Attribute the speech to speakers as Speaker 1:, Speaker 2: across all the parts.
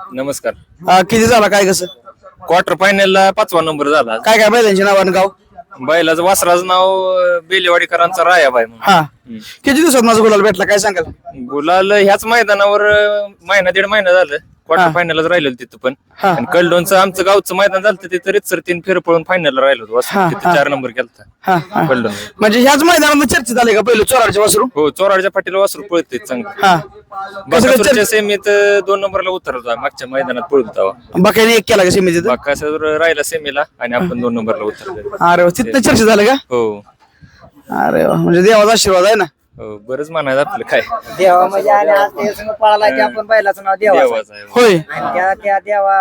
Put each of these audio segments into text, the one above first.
Speaker 1: नमस्कार.
Speaker 2: किती झाला काय कसं
Speaker 1: क्वार्टर फायनलला 5वा नंबर झाला.
Speaker 2: काय काय बैलांची नावानं गाव
Speaker 1: बैलाचं वासराचं नाव बेलेवाडीकरांचा रायाबाई म्हणून.
Speaker 2: हा किती दिवसात माझा गुलाल भेटला काय सांगाल
Speaker 1: गुलाल ह्याच मैदानावर महिना दीड महिना झालं. क्वार्टर फायनलच राहिलो तिथं पण.
Speaker 2: हा.
Speaker 1: आणि कलडोनचं आमचं गावचं मैदान झालं तिथं रितसर 3 फेर पळून फायनलला राहिलो होतो.
Speaker 2: हा,
Speaker 1: तिथं
Speaker 2: हा.
Speaker 1: 4 नंबर केलता
Speaker 2: हा हा
Speaker 1: कलडोन.
Speaker 2: म्हणजे ह्याच मैदानात चर्चेत झाले का पहिलं चोराडच्या वासरू
Speaker 1: हो, चोराडच्या पाटीला वासरू पळते चांगलं.
Speaker 2: हा
Speaker 1: बाकासूरच्या सेमीत 2 नंबरला उतरला. मागच्या मैदानात पळत होता.
Speaker 2: बाक्याने एक केला का सीमेत
Speaker 1: बाकासूर राहिला सेमीला आणि आपण 2 नंबरला उतरलो.
Speaker 2: अरे वा, तिथनं चर्चा झालं का
Speaker 1: हो
Speaker 2: अरे वा, म्हणजे देवाचा आशीर्वाद आहे ना
Speaker 1: हो, बरंच म्हणायचं आपलं काय
Speaker 3: देवा म्हणजे आणि आज ते संग पळाला की आपण बैलाचं नाव देवा
Speaker 1: देवाचा आहे.
Speaker 2: होय
Speaker 3: आणि त्या देवा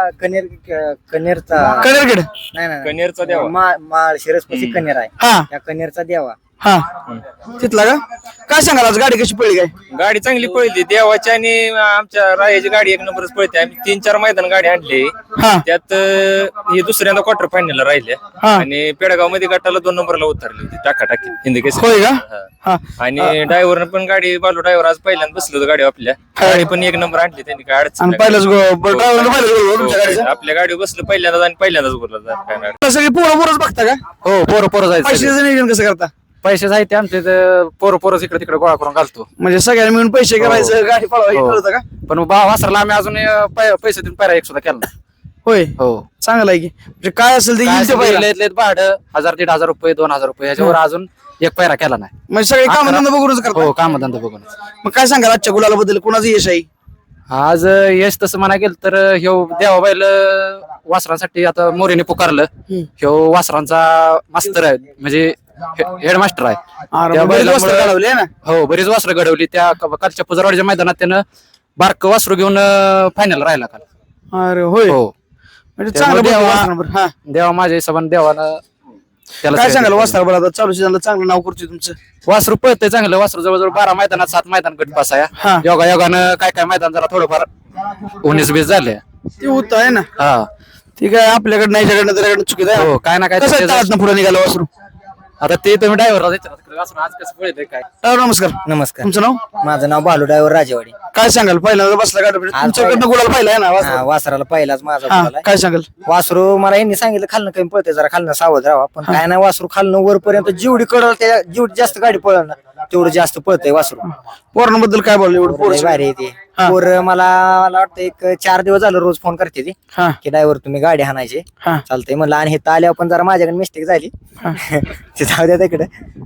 Speaker 3: कनेरचा
Speaker 2: कनेरगड
Speaker 3: नाही नाही
Speaker 1: कनेरचा देवा.
Speaker 3: माळ शिरसपशी कनेर आहे
Speaker 2: हा
Speaker 3: त्या कनेरचा देवा
Speaker 2: हा तिथला का काय सांगाल आज गाडी कशी पडली काय
Speaker 1: गाडी चांगली पळली देवाची आणि आमच्या रायाची गाडी 1 नंबरच पळते. आम्ही 3-4 मैदान गाडी आणली.
Speaker 2: हा
Speaker 1: त्यात ही दुसऱ्यांदा क्वार्टर फायनलला राहिल्या
Speaker 2: हा.
Speaker 1: आणि पेडगाव मध्ये गटाला 2 नंबरला उतरली होती टाकाटाकी हिंदी केस.
Speaker 2: होय का हा
Speaker 1: आणि ड्रायव्हरनं पण गाडी बालू ड्रायव्हर आज पहिल्यांदा बसलो होतो गाडी आपल्या. गाडी पण 1 नंबर आणली त्यांनी, काय अडचण
Speaker 2: आणि
Speaker 1: नाही.
Speaker 2: पहिलाच ड्रायव्हरनं पहिलाच गोल तुमच्या गाडीचा
Speaker 1: आपल्या गाडीवर बसलं पहिल्यांदाच आणि पहिल्यांदाच बोलला काय अडचण.
Speaker 2: सगळी पोरं पोरच बघता का
Speaker 4: हो, पोरं जायचं.
Speaker 2: पैशाचं नियोजन कसं करता
Speaker 4: पैसे आहेत आमचे पोरं इकडे तिकडे गोळा करून घालतो.
Speaker 2: म्हणजे सगळ्यांनी मिळून पैसे करायचं गाडी पळवायची
Speaker 4: हो.
Speaker 2: ठरवतं का
Speaker 4: पण वासरला आम्ही अजून पैसे देऊन पायरा एक सुद्धा केला नाही.
Speaker 2: होय
Speaker 4: हो,
Speaker 2: चांगलं आहे की म्हणजे काय असेल ते
Speaker 4: काय
Speaker 2: येईल ते पहिला.
Speaker 4: लयत भाडं 1000-1500 रुपये 2000 रुपये ह्याच्यावर अजून एक पायरा केला नाही.
Speaker 2: म्हणजे सगळे काम धंदा बघूनच करता
Speaker 4: हो, कामधंदा बघून.
Speaker 2: मग काय सांगाल आजच्या गुलाला बद्दल कोणाचं यश आहे
Speaker 4: आज यश तसं म्हणा गेलं तर ह्यो देवाबाईल वासरांसाठी आता मोरेने पुकारलं. ह्यो वासरांचा मास्तर आहे, म्हणजे हेडमास्टर आहे.
Speaker 2: अरे,
Speaker 4: त्या
Speaker 2: मग बरीच वस्त्रं
Speaker 4: बैलामुळं-
Speaker 2: घडवली आहे ना
Speaker 4: हो, बरीच वासरं घडवली. त्या कालच्या पुजरवाडीच्या मैदानात त्यानं बारक वासरू घेऊन फायनल राहिला काल.
Speaker 2: अरे होय
Speaker 4: हो,
Speaker 2: म्हणजे चांगलं
Speaker 4: त्यामुळे
Speaker 2: बघा
Speaker 4: देवा-
Speaker 2: वासरानं. हा
Speaker 4: देवा माझ्या हिशोबाने देवानं त्याला
Speaker 2: काय
Speaker 4: श्रेय
Speaker 2: सांगाल
Speaker 4: दिलं.
Speaker 2: वासरा बरं आता चालू सीझनला चांगलं नाव करतोय तुमचं
Speaker 4: वासरू पळतंय चांगलं. वासरू जवळजवळ 12 मैदानात 7 मैदान गट पास आहे.
Speaker 2: हा.
Speaker 4: योगानं काय मैदान जरा थोडंफार 19-20 झाले.
Speaker 2: ते होत आहे ना
Speaker 4: हा,
Speaker 2: ठीक आहे आपल्याकडनं याच्याकडनं त्याच्याकडनं चुकीत आहे
Speaker 4: हो, काय ना काय
Speaker 2: कसं
Speaker 4: त्याचं-
Speaker 2: आहे पुढे निघालं वासरू
Speaker 4: आता ते तुम्ही ड्रायव्हरला वासरू आज कसं पळतंय काय.
Speaker 2: नमस्कार
Speaker 3: नमस्कार.
Speaker 2: तुमचं नाव
Speaker 3: माझं नाव बालू ड्रायव्हर राजेवाडी.
Speaker 2: काय सांगाल पहिल्यांदा बसला गाडी तुमच्याकडनं गुलाल पाहिला आहे ना
Speaker 3: हा,
Speaker 2: वासरू?
Speaker 3: वासराला पहिलाच माझा
Speaker 2: हा
Speaker 3: गुलाल आहे.
Speaker 2: काय सांगाल
Speaker 3: वासरू मला यांनी सांगितलं खालनं कमी पळते, जरा खालनं सावध राहा. पण काय नाही, वासरू खालनं वरपर्यंत जेवढी कडल त्या जेवढी जास्त गाडी पळल ना तेवढं जास्त पळतंय वासरू.
Speaker 2: पोरांबद्दल काय बोलले एवढं पोरं
Speaker 3: लय भारी आहे ते.
Speaker 2: हा.
Speaker 3: पोर मला वाटतं एक 4 दिवस झालं रोज फोन करते ती
Speaker 2: हा
Speaker 3: की ड्रायव्हर तुम्ही गाडी हाणायची.
Speaker 2: हा
Speaker 3: चालतंय म्हणलं. आणि हे आल्यावर पण जरा माझ्याकडे मिस्टेक झाली ते जाऊ द्या तिकडे.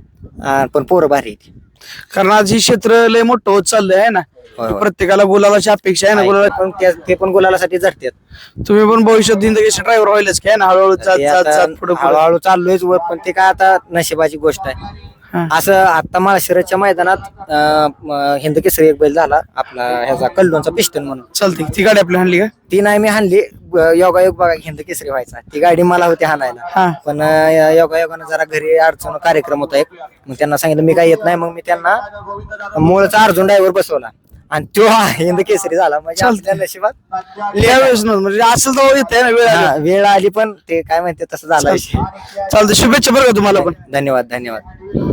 Speaker 3: पण पोरं भारी आहे ती.
Speaker 2: कारण आज ही क्षेत्र लय मोठं होत चाललंय आहे ना
Speaker 3: होय, होय.
Speaker 2: प्रत्येकाला गुलालाची अपेक्षा आहे ना गुलाला
Speaker 3: पण ते पण गुलालासाठी झटतात.
Speaker 2: तुम्ही पण भविष्यात जिंदगीचे ड्रायव्हर व्हायलाच काय ना हळूहळू जात
Speaker 3: ते
Speaker 2: जात
Speaker 3: आता
Speaker 2: जात पुढे
Speaker 3: हळूहळू चाललोयच वर, पण ते काय आता नशिबाची गोष्ट आहे. असं आता माळशिरसच्या मैदानात हिंद केसरी एक बैल झाला आपला ह्याचा कल्लोनचा पिस्टन म्हणून.
Speaker 2: चालते ती गाडी आपली हाणली का
Speaker 3: ती नाही मी हाणली. योगायोग बघा हिंद केसरी व्हायचा, ती गाडी मला होती हाणायला.
Speaker 2: हा
Speaker 3: पण योगायोगानं जरा घरी अडचण कार्यक्रम होता एक, मग त्यांना सांगितलं मी काय येत नाही. मग मी त्यांना मूळचा अर्जुन ड्रायव्हर बसवला आणि तो हिंद केसरी झाला. म्हणजे आपल्या नशिबात
Speaker 2: त्यावेळेस नव्हतं, म्हणजे असं तर येत आहे ना वेळ आली.
Speaker 3: हा, वेळ आली पण ते काय म्हणते तसं झालं विषय.
Speaker 2: चालतं शुभेच्छा बरं का तुम्हाला पण
Speaker 3: धन्यवाद धन्यवाद.